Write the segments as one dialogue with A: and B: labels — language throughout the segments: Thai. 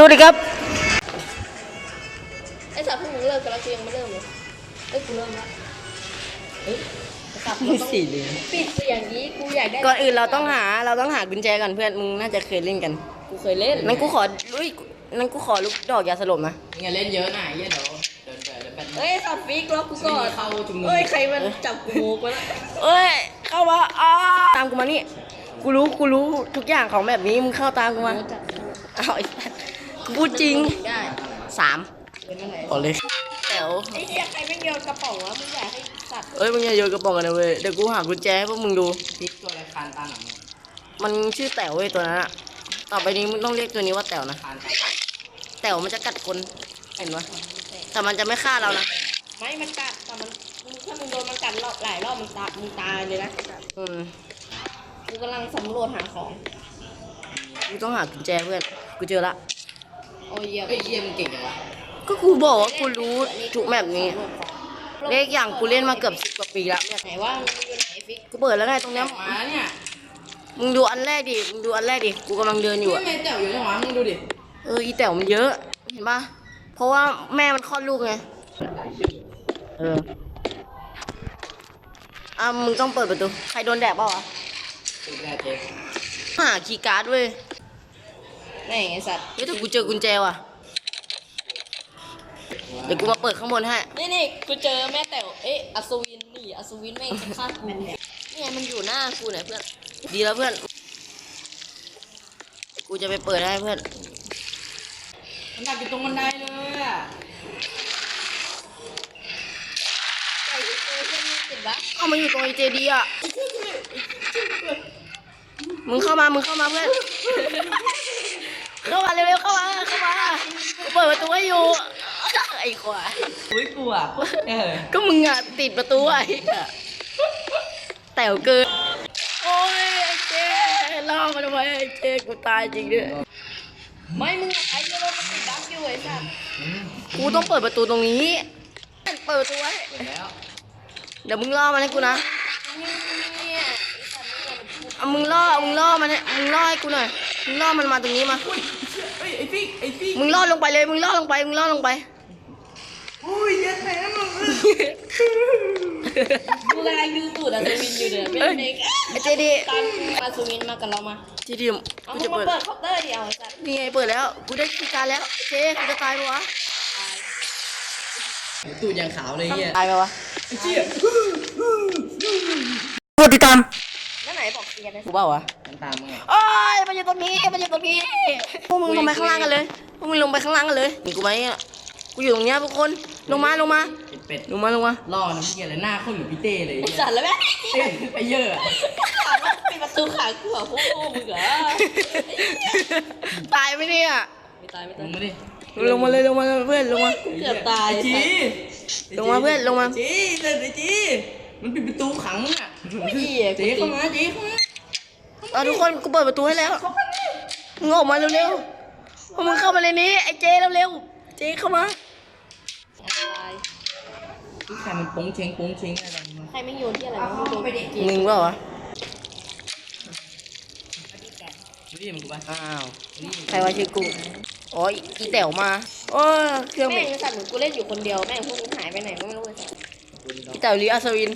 A: วัสดีครับ
B: ไอ้สัตว์พวกมึงเลิกกันแล้วกูยังไม่เริ่มเลยกูเริ่มละสัตว์
A: มีสี่เลย
B: ปิดเสียงนี้กูอยากได้
A: ก่อนอื่นเราต้องหากุญแจก่อนเพื่อนมึงน่าจะเคยเล่นกัน
B: กูเคยเล่น
A: นั่นกูขอลูกดอกยาสลบนะ
C: อย่าเล่นเยอะนะเดี๋ยวแบต
B: เอ้ยสัตว์ฟิกล็อกกูก่อน
C: เข้าจุ่ม
B: เอ้ยใครมันจับกูโมกวะ
A: เอ้ยเข้ามาตามกูมานี่กูรู้ทุกอย่างของแบบนี้มึงเข้าตามกูมาเอาไอ้กูพูดจริง
B: ได้
A: 3
B: เป็นอะไร
A: ต่อเลยแต๋ว
B: ไอ้เหี้ยใครไม่โยนกระป๋องวะมึงอยากให้สัตว์
A: เอ้ยมึงอย่าโยนกระป๋องกันนะเว้ยเดี๋ยวกูหากุญแจให้พวกมึงดู
C: พลิกตัวอะไรคานตาหนัง
A: มันชื่อแต๋วเว้ยตัวนั้นอะต่อไปนี้มึงต้องเรียกตัวนี้ว่าแต๋วนะ
C: คานตา
A: แต๋วมันจะกัดคนเห็นปะแต่มันจะไม่ฆ่าเรานะ
B: ไม่มันกัดแต่มันถ้ามึงโดนมันกัดหลายรอบมึงตายเลยนะ
A: อืม
B: กูกำลังสำรวจหาของ
A: กูต้องหากุญแจเพื่อนกูเจอละ
B: โอ้ยเหี้ย
C: เฮ้ยเยี่ยมเก่งจังวะ
A: ก็กูบอกว่ากูรู้ทุกแบบนี้เลขอย่างกูเล่นมาเกือบ10 กว่าปีละเนี่ย
B: ไหนว่ามึงอยู่ไหนฟิก
A: กูเปิดแล้วไงตรงเนี้ย
C: มาเนี่ย
A: มึงดูอันแรกดิกูกำลังเดินอยู่
C: ไม่
A: อะ
C: เมย์เจ๋วอยู่จังหวะมึงดูดิ
A: อีแต๋วมันเยอะเห็นปะเพราะว่าแม่มันคลอดลูกไงมึงต้องเปิดประตูใครโดนแดดเปล่าวะ
C: ติดแน่เจ๊
A: หาคีย์การ์ดเว้ย
B: ไหนไอ้สัตว์
A: เฮ้ยแต่กูเจอกุญแจว่ะเดี๋ยวกูมาเปิดข้างบนให้
B: นี่กูเจอแม่แต๋วเอ๊ะอัศวินนี่อัศวินแม่งจะฆ่ากูนี่ไงมันอยู่หน้ากูไหนเพื่อน
A: ดีแล้วเพื่อนกูจะไปเปิดให้เพื่อน
C: มันดักอยู่ตรงบันไดเลยอ่ะ
B: ไอ้เพื่อนมึงติดบั๊ก
A: เอามาอยู่ตรงไอเจดีอ่ะมึงเข้ามาเพื่อน เข้ามาเร็วๆเข้ามากูเปิดประตูให้อยู่ไอ้ควาย
C: อุ้ยกลัว
A: ก็มึงอ่ะติดประตูไอ้อะแต๋วเกินโอ้ยไอ้เจล่อมันไว้ไอ้เจกูตายจริงด้วย
B: ไม่มึงไอ้เจ้าโลกมันติดบั๊กอยู่ไอ้สัตว์
A: กูต้องเปิดประตูตรงนี้เปิดประตูไว้
C: แล้ว
A: เดี๋ยวมึงล่อมันให้กูนะ
B: เนี่ยไอ้สัตว์นี่มันพูด
A: เอามึงล่อมันให้กูหน่อยมึงล่อมันมาตรงนี้มา
C: เฮ้ยไอ้ปิ๊ก
A: มึงล่อลงไปเลยมึงล่อลงไป
C: อุ้ยเย็นแผลมึง
B: กูกำลังดูตูดอัศวินอยู่เด้อเป็นเด็ก
A: ไอ้เจดี
B: ตามอัศวินมากับเรามา
A: เจดี
B: เอา
A: กู
B: มึ
A: จะ
B: งมา
A: เปิด
B: เปิดเคาน์เตอร์ดิเอาไอ้สัตว์
A: นี่ไงเปิดแล้วกูได้คีย์การ์ดแล้วเจกูจะตายปะวะ
C: ตูดอย่างขาวเลยเยี่ย
A: ตายปะวะ
C: ไอ้เจี๊ย
A: กดติดตาม
B: นั่นไหนบอกเกียร์เลย
A: กูเปล่าวะ
C: มันตามมึงไง
A: โอ้ยมันอยู่ตรงนี้พวกมึงลงไปข้างล่างกันเลยนี่กูไหมอ่ะกูอยู่ตรงเนี้ยทุกคนลงมา
C: เป็ด
A: ลงมา
C: ล่อน้ำเกียร์เลยหน้าเขาอยู่พี่เต้เลย
B: ไอ้สัตว์แล้วแม่
C: เต้นไปเยอะ
B: ถามว่าปิดประตูขังกูเหรอพวกมึงเหรอ
A: ตายไหมเนี่ย
B: ไม่ตาย
C: ลงมาดิ
A: ลงมาเลยเพื่อนลงมา
B: เกือบตาย
C: จี
A: ลงมาเพื่อนลงมา
C: จีเลยไอ้จีมันปิดประตูขังอ่ะ
B: ไม่ดีอ่ะ
C: จีเข้ามาจีเข้ามา
A: เอาทุกคนกูเปิดประตูให้แล้วมึงออกมาเร็วๆพวกมึงเข้ามาในนี้ไอ้เจเร็วๆเจเข้ามา
C: ที่ใครมันโป้งเชงอะไรมา
B: ใครไม่โยนที่อะไรวะไม่โยนไปเด็ก
A: มึงเปล่าวะ
C: ดูดิมันกูไป
A: อ้าวใครว่าชื่อกูอ๋ออีแต๋วมาโอ้ยเครื่อง
B: แม่
A: เบรก
B: งสัตว์เหมือนกูเล่นอยู่คนเดียวแม่งพวกมึงหายไปไหนก็ไม่รู้ไอ้สัตว์
A: อีแต๋วลีอัศวิน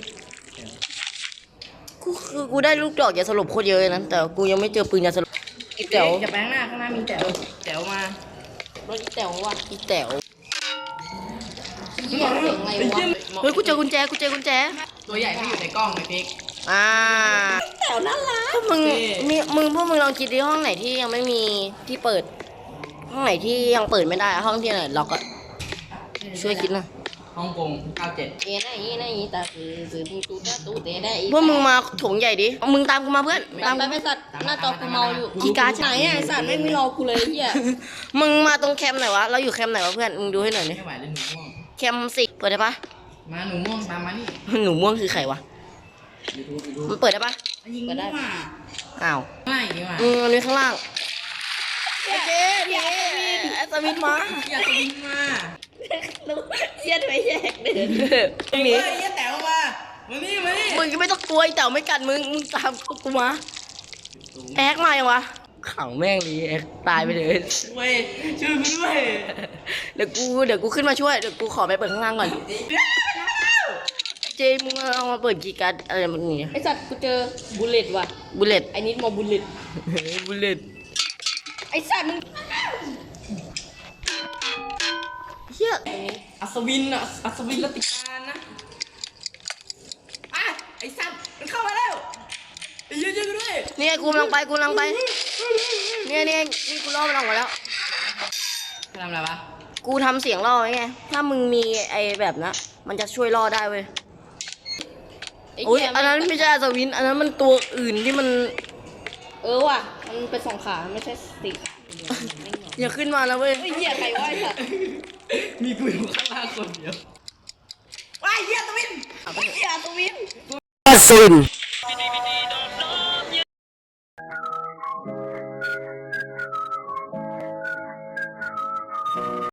A: กูได้ลูกดอกยาสลบโคตรเยอะเลยนะแต่กูยังไม่เจอปืนยาสลบอีแต๋ว
C: จะแปลงหน้าข้างหน้ามีแต๋วมา
B: รถอีแต๋วว่ะ
A: อีแต๋ว
B: เหี้ยเสียงอะไรวะ
A: เฮ้ยกูเจอกุญแจ
C: ตัวใหญ่ที่อยู่ในกล้องไอ้พิก
B: แต๋วน่ารัก
A: พวกมึงพวกมึงลองคิดดิห้องไหนที่ยังไม่มีที่เปิด ห้องไหนที่ยังเปิดไม่ได้ห้องที่ไหนล็อกอะช่วยคิดหนะ
C: ฮ่องกง97
B: เอ๊ะไหนตาคือตูเตะได้อี
A: พวกมึงมาโถงใหญ่ดิมึงตามกูมาเพื่อน
B: ตามไปสัตว์หน้าจอกูเมาอยู่ไหนอ่ะไอ้สัตว์ไม่มีรอกูเลยเหี้ย
A: มึงมาตรงแคมป์ไหนวะเราอยู่แคมป์ไหนวะเพื่อนมึงดูให้หน่อยดิ
C: ไม่ไหวเลยหนูม่วง
A: แคมป์10เปิดได้ปะ
C: มาหนูม่วงตามมานี่
A: หนูม่วงคือใครวะ
C: ดู
A: มันเปิดได้ปะ
C: ยิงมั่ว
A: อ้าว
C: ไม่ดีว่ะ
A: อันนี้ข้างล่างไอ้เจ๊ไอ้สวิตมา
C: อยากจะยิงมา
B: เหี้ยไปแยกเดิน
A: มึงหนี
C: เฮ้ยแต๋วมานี่มานี่
A: มึงก็ไม่ต้องกลัวไอ้เต่าไม่กัดมึงตามกูมาแอ๊กมายังวะขังแม่งเลยตายไปเลย
C: เว้ยช่วยกูด้วย
A: เดี๋ยวกูขึ้นมาช่วยเดี๋ยวกูขอไปเปิดข้างล่างก่อนเจมึงเอามาเปิดกีย์การ์ดอะไรมันนี่
B: ไอสัตว์กูเจอบุลเลตว่ะ
A: บุลเลต
B: ไอนิดมอบุลเลต
A: บุลเลต
B: ไอสัตว์มึง
A: เฮีย
C: อัศวินอ่ะอัศวินรัตติการนะอ่ะไอ้สัตว์มันเข้ามาแล้วไอ้เหี้ยช่วยกูด้วย
A: เนี่ยกูกำลังไปเนี่ยนี่กูล่อมันออกมาแล้ว
C: ทำอะไรวะ
A: กูทำเสียงล่อไว้ไงถ้ามึงมีไอ้แบบนะมันจะช่วยล่อได้เว้ย
B: ไอ้
A: โอ้ย
B: เหี้ย
A: อันนั้นไม่ใช่อัศวินอันนั้นมันตัวอื่นที่มัน
B: ว่ะมันเป็น2 ขาไม่ใช่4 ขาเดียวไม่เหรอ
A: อย่าขึ้นมาแล้วเว้ย
B: ไอ้เหี้ยใครวะไอสัตว์
C: มีกูอยู่ข้างล่างคนเดียวว้ายเหี้ยอัศวิน
B: ไอ้เหี้ยอัศวิน
A: อัศวิน